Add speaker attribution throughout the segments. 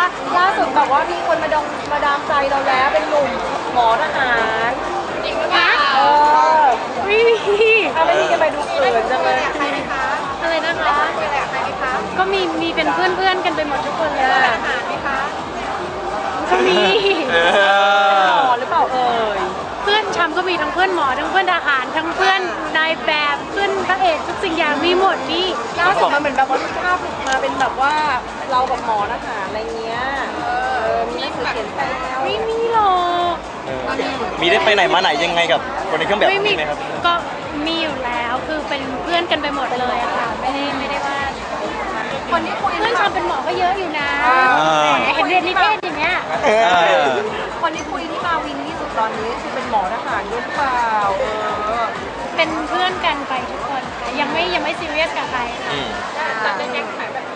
Speaker 1: ว่าล่าสุดแบบว่ามีคนมาดามใจเราแล้วเป็นหนุ่มหมอทหารจริงปะ
Speaker 2: ไม่มี
Speaker 1: ไม่มีจะไปดูเขินจังเลย
Speaker 2: อะไรนะคะก็มีเป็นเพื่อนกันไปหมดทุกคนเลยทหารไหมคะก็มี
Speaker 1: หมอหรือเปล่า
Speaker 2: เพื่อนชำก็มีทั้งเพื่อนหมอทั้งเพื่อนทหารทั้งเพื่อนนายแบบเพื่อนพระเอกทุกสิ่งอย่างมีหมดนี่
Speaker 1: ล่าสุดมันเหมือนแบบว่าภาพมาเป็นแบบว่าเรากับหมอทหารอะไรเงี้ยมีหนังสือเขียนแซว
Speaker 2: ไม่มีหรอก
Speaker 3: มีได้ไปไหนมาไหนยังไงกับคนในเครื่องแบบ
Speaker 2: นี้
Speaker 3: ไหมครับ
Speaker 2: ก็มีอยู่แล้วคือเป็นเพื่อนกันไปหมดเลยอะค่ะไม่ได้ว่าคนที่คุยเพื่อนชำเป็นหมอก็เยอะอยู่นะเห็นเรียนนิเทศอย่างเงี้ย
Speaker 1: คนที่คุยที่มาวินที่สุดตอนนี้คือเป็นหมอทหารด้วยหรือเปล่า
Speaker 2: เป็นเพื่อนกันไปทุกคนยังไม่ซีเรียสกับใคร
Speaker 1: แต่เป็นยังไงแบบ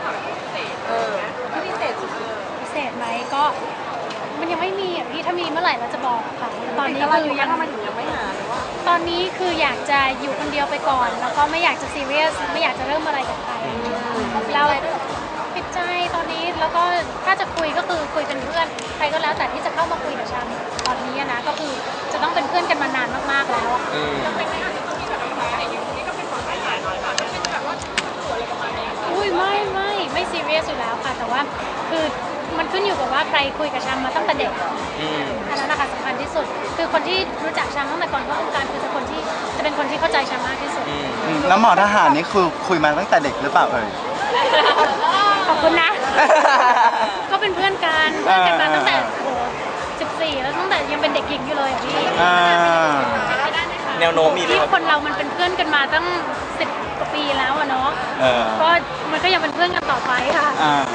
Speaker 1: ที่พิเศษ
Speaker 2: พิเศษไหมก็มันยังไม่มีอ่ะพี่ถ้ามีเมื่อไหร่เราจะบอกค่ะตอนนี้คือ
Speaker 1: ยังทำไมถึงยังไม่หาหรือว่า
Speaker 2: ตอนนี้คืออยากจะอยู่คนเดียวไปก่อนแล้วก็ไม่อยากจะซีเรียสไม่อยากจะเริ่มอะไรกับใครเราปิดใจตอนนี้แล้วก็ถ้าจะคุยก็คือคุยเป็นเพื่อนใครก็แล้วแต่ที่จะเข้ามาคุยกับฉันตอนนี้นะก็คือจะต้องเป็นเพื่อนกันมานานมากๆแล้วอะอุ้ยไม่ซีเรียสอยู่แล้วค่ะแต่ว่าคือมันขึ้นอยู่กับว่าใครคุยกับชัมมาตั้งแต่เด็กอันนั้นนะคะสำคัญที่สุดคือคนที่รู้จักชัมตั้งแต่ก่อนเข้าวงการคือจะเป็นคนที่เข้าใจชัมมากที่สุด
Speaker 4: แล้วหมอทหารนี่คือคุยมาตั้งแต่เด็กหรือเปล่า
Speaker 2: ขอบคุณนะก็เป็นเพื่อนกันมาตั้งแต่14แล้วตั้งแต่ยังเป็นเด็กหญิงอยู่เลยพี่
Speaker 3: แนวโน้มมี
Speaker 2: ที่คนเรามันเป็นเพื่อนกันมาตั้ง10 กว่าปีแล้วอะเนาะก็มันก็ยังเป็นเพื่อนกันต่อไปค่ะ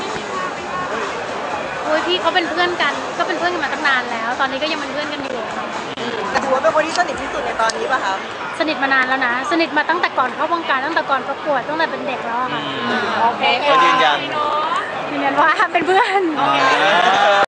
Speaker 2: โอ้ยพี่เขาเป็นเพื่อนกันก็เป็นเพื่อนกันมาตั้งนานแล้วตอนนี้ก็ยังเป็นเพื่อนกันอยู่
Speaker 1: แต่ถือว่าเป็นคนที่สนิทที่สุดในตอนนี้ป่ะคะ
Speaker 2: สนิทมานานแล้วนะสนิทมาตั้งแต่ก่อนเข้าวงการตั้งแต่ก่อนประกวดตั้งแต่เป็นเด็กแล้วค่ะ
Speaker 1: โอเค
Speaker 3: ยืนยัน
Speaker 2: ว่าเป็นเพื่อน